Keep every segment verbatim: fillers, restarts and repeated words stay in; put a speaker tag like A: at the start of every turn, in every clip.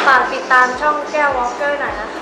A: ฝากติดตามช่องแก้ววอล์กเกอร์หน่อยนะคะ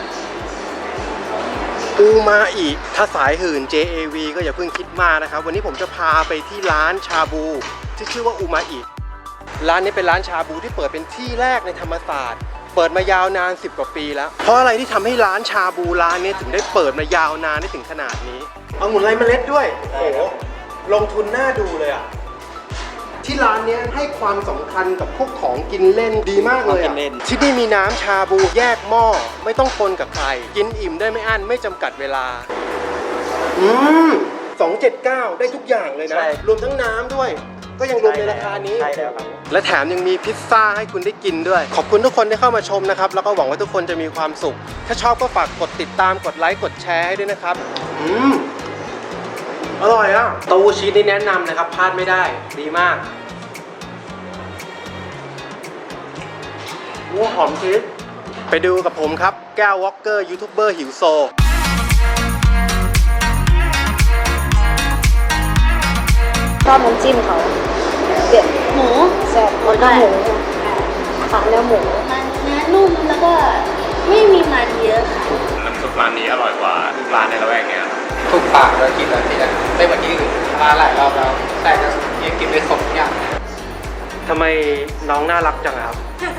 B: อูมาอิถ้าสายหื่น เจ เอ วี ก็อย่าเพิ่งคิดมากนะครับวันนี้ผมจะพาไปที่ร้านชาบูที่ชื่อว่าอูมาอิร้านนี้เป็นร้านชาบูที่เปิดเป็นที่แรกในธรรมศาสตร์เปิดมายาวนานสิบกว่าปีแล้วเพราะอะไรที่ทำให้ร้านชาบูร้านนี้ถึงได้เปิดมายาวนานได้ถึงขนาดนี้เอาหมุนไรเมล็ดด้วยโอ้โหลงทุนน่าดูเลยอ่ะที่ร้านนี้ให้ความสำคัญกับพวกของกินเล่นดีมากเลยอ่ะที่นี่มีน้ำชาบูแยกหม้อไม่ต้องคนกับใครกินอิ่มได้ไม่อั้นไม่จำกัดเวลาอืมสองเจ็ดเก้าได้ทุกอย่างเลยนะรวมทั้งน้ำด้วยก็ยังรวมในราคานี้ใช่แล้วครับและแถมยังมีพิซซ่าให้คุณได้กินด้วยขอบคุณทุกคนที่เข้ามาชมนะครับแล้วก็หวังว่าทุกคนจะมีความสุขถ้าชอบก็ฝากกดติดตามกดไลค์กดแชร์ให้ด้วยนะครับอืมอร่อยอ่ะเต้าหู้ชีสนี่แนะนำนะครับพลาดไม่ได้ดีมากว้าหอมชีสไปดูกับผมครับแก้ววอล์กเกอร์ยูทูบเบอร์หิวโซ
A: ชอบน้ำจิ้มเขาเด็ดหมูแซ่บแล้วก็หมูขาเนื้อหมูมันเนื้อนุ่มแล้วก็ไม่มีมันเยอะค่ะ
C: น้ำซุปร้านนี้อร่อยกว่าร้านในละแวกเนี้ย
D: ถูกปากเรากินแล้วที่จะได้มาที่อื่นมาหลายรอบแล้วแต่ก็ยังกินไม่ครบอย่าง
B: ทำไมน้องน่ารักจังครับ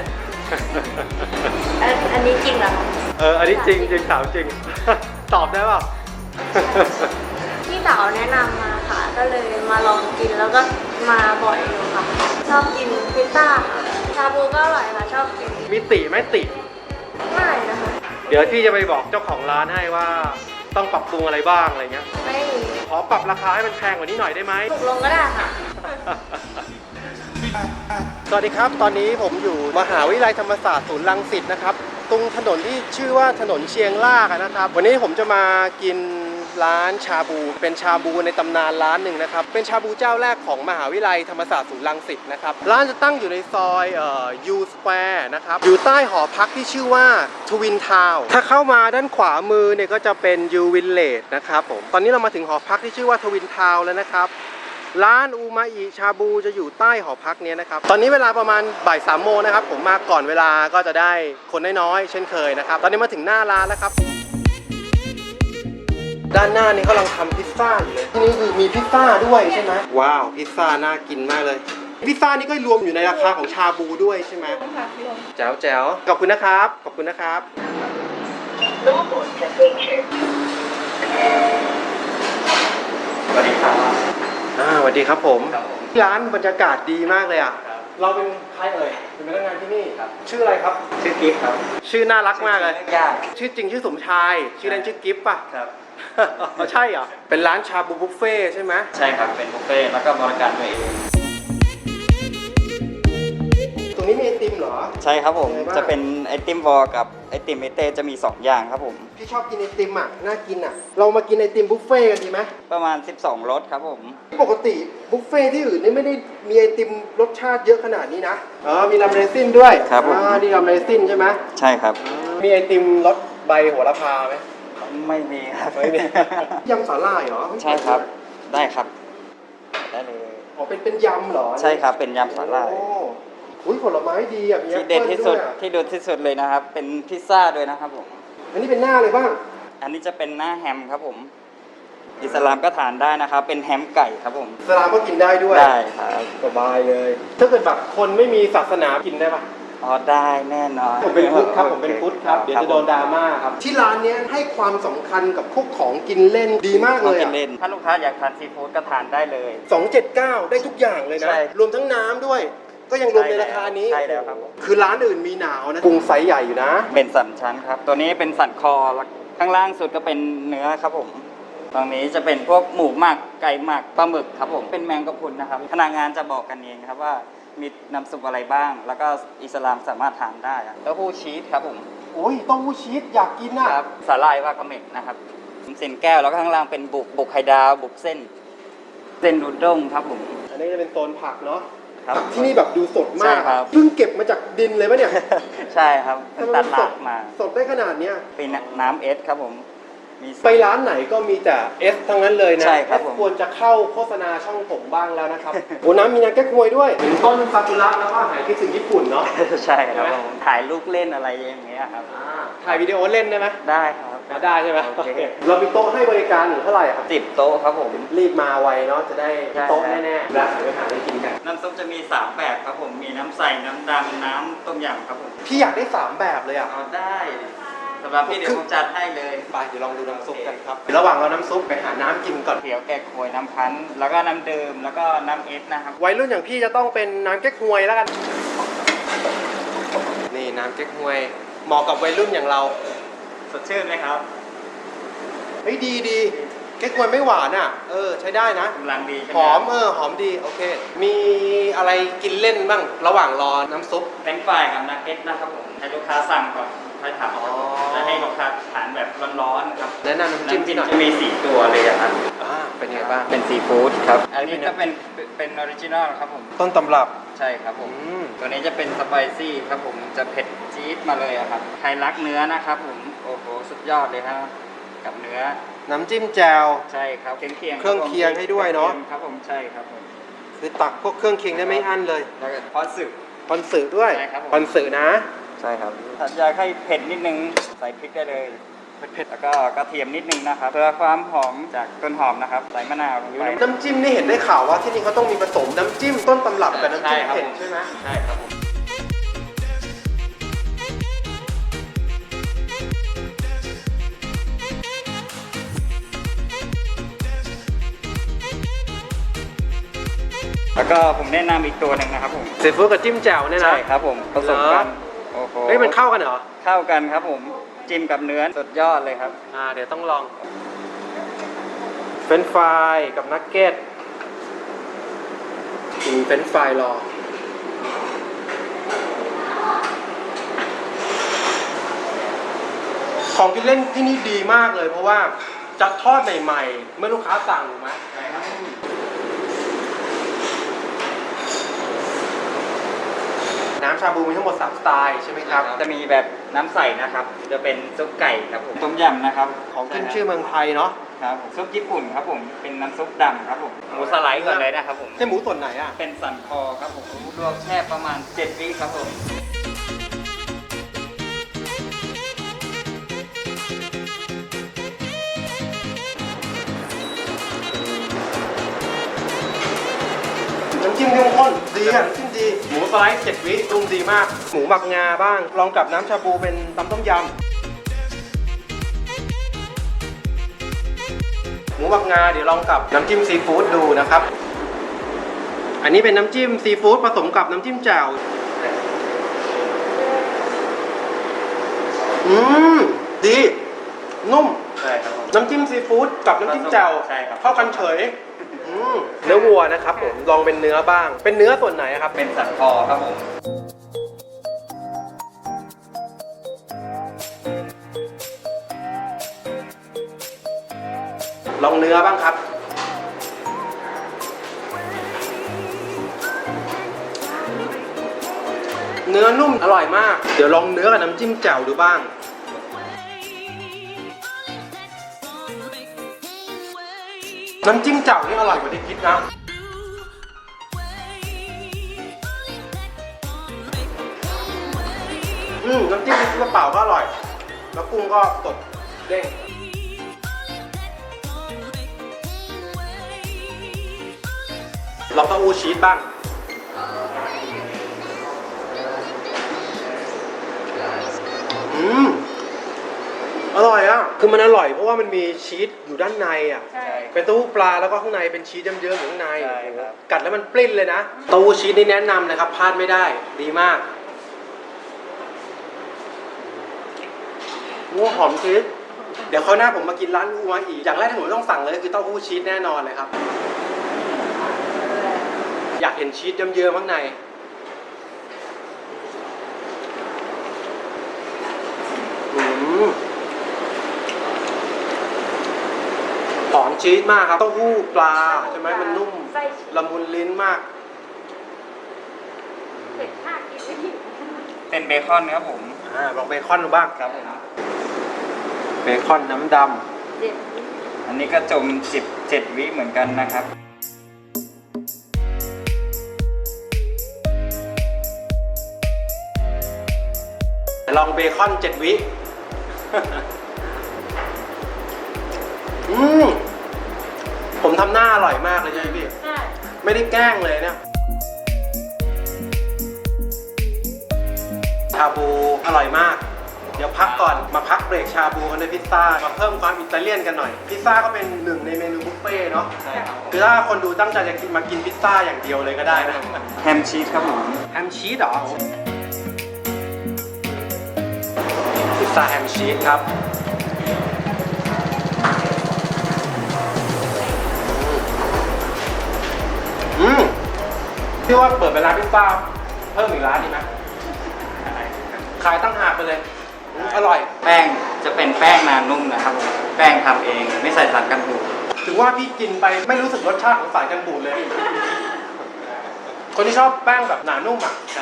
A: อันนี้จริงเหรอ
B: เอออันนี้จริงจริงถามจริง ตอบได้ป่ะ
A: พี่สาวแนะนำมาค่ะก็เลยมาลองกินแล้วก็มาบ่อยอยู่ค่ะชอบกินพิซซ่าค่ะชาบูก็อร่อยค่ะชอบกิน
B: มีติไหมติ
A: ไม่นะคะ
B: เดี๋ยวพี่จะไปบอกเจ้าของร้านให้ว่าต้องปรับปรุงอะไรบ้างอะไรเงี้ย
A: ไม่
B: ขอปรับราคาให้มันแพงกว่านี้หน่อยได้ไหม
A: ถูกลงก็ได้ค่ะ
B: สวัสดีครับตอนนี้ผมอยู่มหาวิทยาลัยธรรมศาสตร์ศูนย์รังสิตนะครับตรงถนนที่ชื่อว่าถนนเชียงรากนะครับวันนี้ผมจะมากินร้านชาบูเป็นชาบูในตำนานร้านหนึ่งนะครับเป็นชาบูเจ้าแรกของมหาวิทยาลัยธรรมศาสตร์ศูนย์รังสิตนะครับร้านจะตั้งอยู่ในซอยเอ่อยูสแควร์นะครับอยู่ใต้หอพักที่ชื่อว่าทวินทาวน์ถ้าเข้ามาด้านขวามือเนี่ยก็จะเป็นยูวิลเลจนะครับผมตอนนี้เรามาถึงหอพักที่ชื่อว่าทวินทาวน์แล้วนะครับร้านอูมาอิชาบูจะอยู่ใต้หอพักนี้นะครับตอนนี้เวลาประมาณบ่ายสามโมงนะครับผมมาก่อนเวลาก็จะได้คนน้อยๆเช่นเคยนะครับตอนนี้มาถึงหน้าร้านแล้วครับด้านหน้านี้กำลังทำพิซซ่าอยู่เลยที่นี่คือมีพิซซ่าด้วยใช่ไหมว้าวพิซซ่าน่ากินมากเลยพิซซ่านี่ก็รวมอยู่ในราคาของชาบูด้วยใช่ไหมแจ๋วแจ๋วขอบคุณนะครับขอบคุณนะครับ
C: สวัสดีครับ
B: อ่าสวัสดีครับผมร้านบรรยากาศดีมากเลยอ่ะเราเป็นใครเอ่ยเป็นพนักงานที่นี่ครับชื่ออะไรครับ
C: ชื่อกิฟต์ครับ
B: ชื่อน่ารักมากเลย
C: ยาก
B: ชื่อจริงชื่อสมชายชื่อเล่นชื่อกิฟต์ป่ะ
C: ครับ
B: ใช่เหรอเป็นร้านชาบูบุฟเฟ่ใช่ไหม
C: ใช่ครับเป็นบุฟเฟ่แล้วก็บริการตัวเอง
B: ตรงนี้มีไอติมเหรอ
E: ใช่ครับผมจะเป็นไอติมวอลกับไอติมเอเต้จะมีสองอย่างครับผม
B: พี่ชอบกินไอติมอ่ะน่ากินอ่ะเรามากินไอติมบุฟเฟ่กันดีไหม
E: ประมาณสิบสองรสครับผม
B: ปกติบุฟเฟ่ที่อื่นนี่ไม่ได้มีไอติมรสชาติเยอะขนาดนี้นะอ๋อมีลำเรซินด้วย
E: ครับผม
B: อ่านี่ลำเรซินใช่ไหม
E: ใช่ครับ
B: มีไอติมรสใบโหระพาไหม
E: ไม่มีครับ
B: ไม่มียำสาหร่ายเหรอ
E: ใช่ครับได้ครับได้เลย
B: อ๋อเป็นเป็นยำเหรอ
E: ใช่ครับเป็นยำสาหร่าย
B: อุ้ยผลไม้ดีอ่ะ
E: ที่เด็ดที่สุดที่เด็ดที่สุดเลยนะครับเป็นพิซซ่าด้วยนะครับผม
B: อันนี้เป็นหน้าเลยบ้าง
E: อันนี้จะเป็นหน้าแฮมครับผมอิสลามก็ทานได้นะครับเป็นแฮมไก่ครับผม
B: อิสลามก็กินได้ด้วย
E: ได้ครับ
B: สบายเลยถ้าเกิดแบบคนไม่มีศาสนากินได้ปะ
E: อ๋อได้แน่นอน
B: ผมเป็นพุทธครับผมเป็นพุทธครับเดี๋ยวจะโดนดราม่าครับที่ร้านนี้ให้ความสำคัญกับพวกของกินเล่นดีมากเลยอ่ะ
E: ถ้าลูกค้าอยากทานซีฟู้ดก็ทานได้เลย
B: สองเจ็ดเก้าได้ทุกอย่างเลยนะรวมทั้งน้ำด้วยก็ยังรวมในราคานี้
E: ใช่แล้วครับ
B: คือร้านอื่นมีหนาวนะปรุงไซส์ใหญ่อยู่นะ
E: เป็นสันชั้นครับตัวนี้เป็นสันคอข้างล่างสุดก็เป็นเนื้อครับผมตรงนี้จะเป็นพวกหมูหมักไก่หมักปลาหมึกครับผมเป็นแมงกะพรุนนะครับพนักงานจะบอกกันเองครับว่ามีน้ำซุปอะไรบ้างแล้วก็อิสลามสามารถทานได้เต้าหู้ชีสครับผม
B: โอ้ยเต้าหู้ชีสอยากกินนะครับ
E: สาหร่ายวากาเมะนะครับเส้นแก้วแล้วก็ข้างล่างเป็นบุกบุกไข่ดาวบุกเส้นเส้นดูด้งครับผม
B: อันนี้จะเป็นโซนผักเนาะ
E: ผัก
B: ที่นี่แบบดูสดมากเพิ่งเก็บมาจากดินเลยปะเนี่ย
E: ใช่ครับตัดรากมา
B: สดได้ขนาดเนี้ย
E: เป็นน้ำเอสครับผมมี
B: ไปร้านไหนก็มีแต่เอสทั้งนั้นเลยนะ
E: ใช่ครับ
B: เอส
E: ผม
B: ควรจะเข้าโฆษณาช่องผมบ้างแล้วนะครับ โอ้น้ำมีน้ำแก้ควยด้วยเป็นต้นซากุระแล้วก็หายคิดถึงญี่ปุ่นเนาะ
E: ใช่ครับผมถ่ายรูปเล่นอะไรอย่างเงี้ยครับ
B: อ่าถ่ายวิดีโอเล่นได้ไหม
E: ได้ครับ
B: ได้ใช่ไหม
E: โอเค
B: เรามีโต๊ะให้บริการอยู่เท่าไหร่ครับ
E: สิบโต๊ะครับผม
B: รีบมาไวเนาะจะได้
E: ใช่
B: โต๊ะแน่ๆแล้วไปหาอะไรกินกัน
E: น้ำซุปจะมีสามแบบครับผมมีน้ำใสน้ำดำน้ำต้มยำครับผม
B: พี่อยากได้สามแบบเลยอ่ะ
E: เอาได้สำหรับพี่เดี๋ยวผมจัดให้เลย
B: ไปเดี๋ยวลองดูน้ำซุปกันครับระหว่างเราน้ำซุปไปหาน้ำกินก่อน
E: เขียวแกะควยน้ำพันธุ์แล้วก็น้ำเดิมแล้วก็น้ำเอสนะครับ
B: วัยรุ่นอย่างพี่จะต้องเป็นน้ำแก้ควยแล้วกันนี่น้ำแก้ควยเหมาะกับวัยรุ่นอย่างเรา
E: สดชื่นไหมครับ
B: เฮ้ยดีดีแก้ควยไม่หวานอ่ะเออใช้ได้นะ
E: กำลังดีใช่ไห
B: หอมเออหอมดีโอเค มีอะไรกินเล่นบ้างระหว่างรอน้ำซุป
E: เป็นฝ่ายกับนักเก็ตนะครับผมให้ลูกค้าสั่งก่อนค่อยทำ
B: อ๋อ
E: จะให้ลูกค้าทานแบบร้อนๆครับ
B: แนะนำน้ำจิ้มที่หน่อย
E: จะมีสี่ตัวเลยอะครับ
B: อ่าเป็นไงบ้าง
E: เป็นซีฟู้ดครับ
B: อั
E: อั
B: น
E: น
B: นี้
E: นี้
B: เป็น
E: ก็เป็นเป็นออริจินอลครับผม
B: ต้นตำรับ
E: ใช่ครับผม
B: อืม
E: ตัวนี้จะเป็นสไปซี่ครับผมจะเผ็ดจี๊ดมาเลยอะครับใครรักเนื้อนะครับผมโอ้โหสุดยอดเลยครับกับเนื้อ
B: น้ำจิ้มแจ่ว
E: ใช่ครับเครื่องเคียง
B: เครื่องเคียงให้ด้วยเนอะ
E: ครับผมใช่ครับผม
B: คือตักพวกเครื่องเคียงได้ไม่อั้นเลย
E: แล้วก็พอสึก
B: คอนสึด้วย
E: ใช่ครับผม
B: คอนสึนะ
E: ใช่ครับถ้าอยากให้เผ็ดนิดนึงใส่พริกได้เลยเผ็ดๆแล้วก็กระเทียมนิดนึงนะครับเพื่อความหอมจากต้นหอมนะครับใส่มะนาวลงไป
B: น้ำจิ้มนี่เห็นได้ข่าวว่าที่นี่เขาต้องมีผสมน้ำจิ้มต้นตำรับกับน้ำจิ้ม
E: ใช่ครับ
B: เผ็ดใช่ไหม
E: ใช่ครับผม แล้วก็ผมแนะนำอีกตัวหนึ่งนะครับผม
B: ซีฟู้ดกับจิ้มแจ่วเนี่ยนะ
E: ใช่ครับผมผสมกัน
B: เหรอ
E: โอ้โห
B: เฮ้ยมันเข้ากันเหรอ
E: เข้ากันครับผมจิ้มกับเนื้อสุดยอดเลยครับ
B: อ่าเดี๋ยวต้องลองเฟรนช์ฟรายกับนักเก็ตกินเฟรนช์ฟรายรอของกินเล่นที่นี่ดีมากเลย เพราะว่าจะทอดใหม่ๆเมื่อลูกค้าสั่งถูกไหม
E: ใช่ครับ
B: น้ำชาบูมีทั้งหมดสามสไตล์ใช่ไหมครับ
E: จะมีแบบน้ำใสนะครับ จะเป็นซุปไก่ครับผมต้มยำนะครับ
B: ของขึ้นชื่อเมืองไทยเนาะ
E: ครับผมซุปญี่ปุ่นครับผมเป็นน้ำซุปดำครับผมหมูสไลด์ก่อนเลยนะครับผม
B: ใช่หมูส่วนไหนอ่ะ
E: เป็นสันคอครับผมลวกแช่ประมาณเจ็ดวิครับผม
B: น้ำจิ้มเข้มข้นดีอ่ะน้ำจิ้มดี หมูสไลด์เจ็ดวิปรุงดีมาก หมูหมักงาบ้าง ลองกับน้ำชาบูเป็นตำต้มยำ หมูหมักงาเดี๋ยวลองกับน้ำจิ้มซีฟู้ดดูนะครับ อันนี้เป็นน้ำจิ้มซีฟู้ดผสมกับน้ำจิ้มแจ่ว อืมดี นุ่ม
E: ใช่ครับผม
B: น้ำจิ้มซีฟู้ดกับน้ำจิ้มแจ่ว
E: ใช่ครับ
B: เข้ากันเฉยอืมเนื้อวัวนะครับผมลองเป็นเนื้อบ้าง เป็นเนื้อส่วนไหนครับ
E: เป็นสันคอครับผม
B: ลองเนื้อบ้างครับ เนื้อนุ่มอร่อยมาก เดี๋ยวลองเนื้อกับน้ำจิ้มแจ่วดูบ้าง น้ำจิ้มแจ่วนี่อร่อยกว่าที่คิดนะ อืมน้ำจิ้มซีฟู้ดเปล่าก็อร่อย แล้วกุ้งก็สดเด้ง ลองเต้าหู้ชีสบ้าง อืม อร่อยอ่ะ คือมันอร่อยเพราะว่ามันมีชีสอยู่ด้านในอ่ะ
A: ใช่
B: เป็นเต้าหู้ปลาแล้วก็ข้างในเป็นชีสเยิ้มๆอยู่ข้างใน
E: ใช่ครับ
B: กัดแล้วมันปลิ้นเลยนะ เต้าหู้ชีสนี่แนะนำเลยครับพลาดไม่ได้ ดีมากว้าหอมชีส เดี๋ยวคราวหน้าผมมากินร้านอูมาอีก อย่างแรกที่ผมต้องสั่งเลยคือเต้าหู้ชีสแน่นอนเลยครับ อยากเห็นชีสเยิ้มๆข้างในอืมหอมชีสมากครับเต้าหู้ปลาใช่ไหมมันนุ่ม
A: ไส้ชีส
B: ละมุนลิ้นมาก
A: เผ็ดมากกินไม่หิว
E: เป็นเบคอนครับผม
B: อ่าลองเบคอนดูบ้าง
E: ครับผม
B: เบคอนน้ำด
A: เจ็ด
E: อันนี้ก็จมสิบเจ็ดวิเหมือนกันนะครับ
B: ลองเบคอนเจ็ดวิ อืมผมทำหน้าอร่อยมากเลยใช่ไหมพี่
A: ใช่
B: ไม่ได้แกล้งเลยเนี่ยชาบูอร่อยมาก เดี๋ยวพักก่อนมาพักเบรกชาบูกันด้วยพิซซ่ามาเพิ่มความอิตาเลียนกันหน่อยพิซซ่าก็เป็นหนึ่งในเมนูบุฟเฟ่ต์เนาะ
C: ใช่ครับ
B: คือถ้าคนดูตั้งใจจะกินมากินพิซซ่าอย่างเดียวเลยก็ได้นะ
E: แฮมชีสครับผม
B: แฮมชีสเหรอพิซซ่าแฮมชีสครับอืมพี่ว่าเปิดเป็นร้านพิซซ่าเพิ่มอีกร้านดีไหมขายตั้งหากไปเลยอืมอร่อย
E: แป้งจะเป็นแป้งนานุ่มนะครับผมแป้งทำเองไม่ใส่สารกันบูด
B: ถึงว่าพี่กินไปไม่รู้สึกรสชาติของสารกันบูดเลย คนที่ชอบแป้งแบบหนานุ่มอ่ะ
E: ใช่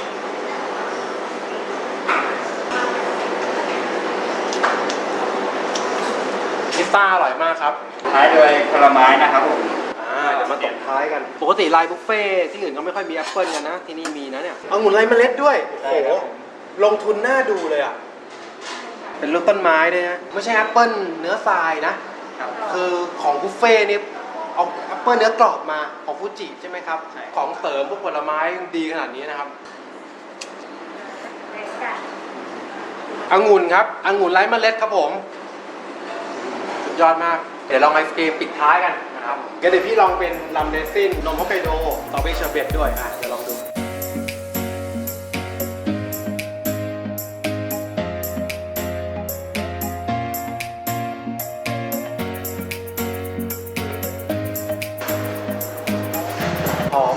B: พิซซ่าอร่อยมากครับ
E: ท้ายด้วยผลไม้นะครับผม
B: อ่าเดี๋ยวมาตบท้ายกัน ปกติไลน์บุฟเฟ่ที่อื่นก็ไม่ค่อยมีแอปเปิลกันนะ ที่นี่มีนะเนี่ยเอาองุ่นไรเมล็ดด้วย โอ้โห ลงทุนน่าดูเลยอ่ะ เป็นรูปต้นไม้ด้วยนะ ไม่ใช่แอปเปิลเนื้อทรายนะ
E: ครับ
B: คือของบุฟเฟ่นี่เอาแอปเปิลเนื้อกรอบมาของฟูจิใช่ไหมครับ
E: ใช่
B: ของเสริมพวกผลไม้ดีขนาดนี้นะครับองุ่นครับองุ่นไร้เมล็ดครับผมสุดยอดมาก เดี๋ยวลองไอศกรีมปิดท้ายกันนะครับงั้นเดี๋ยวพี่ลองเป็นลัมเดซินนมฮอกไกโดสตรอเบอรี่เชอร์เบตด้วยอ่ะเดี๋ยวลองดูหอม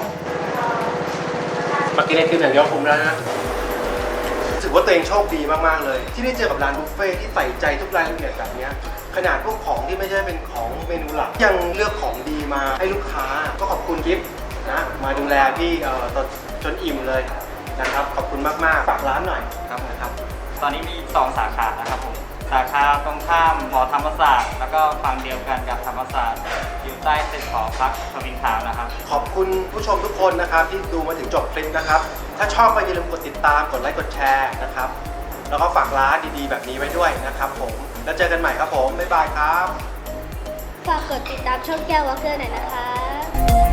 B: มากินไอติมอย่างเดียวคุ้มแล้วนะถือว่าตัวเองโชคดีมากๆเลย ที่ได้เจอกับร้านบุฟเฟ่ที่ใส่ใจทุกรายละเอียดแบบเนี้ยขนาดพวกของที่ไม่ใช่เป็นของเมนูหลักยังเลือกของดีมาให้ลูกค้าก็ขอบคุณกิฟต์นะมาดูแลพี่เอ่อจนอิ่มเลยนะครับขอบคุณมากๆฝากร้านหน่อยครับนะครับ
E: ตอนนี้มีสองสาขานะครับผมสาขาตรงข้ามหอธรรมศาสตร์แล้วก็ฝั่งเดียวกันกับธรรมศาสตร์อยู่ใต้ตึกหอพักทวินทาวน์นะครับ
B: ขอบคุณผู้ชมทุกคนนะครับที่ดูมาถึงจบคลิปนะครับถ้าชอบก็อย่าลืมกดติดตามกดไลค์กดแชร์นะครับแล้วก็ฝากร้านดีๆแบบนี้ไว้ด้วยนะครับผมแล้วเจอกันใหม่ครับผมบ๊ายบายครับ
A: ฝากกดติดตามช่องแก้ววอลเกอร์หน่อยนะคะ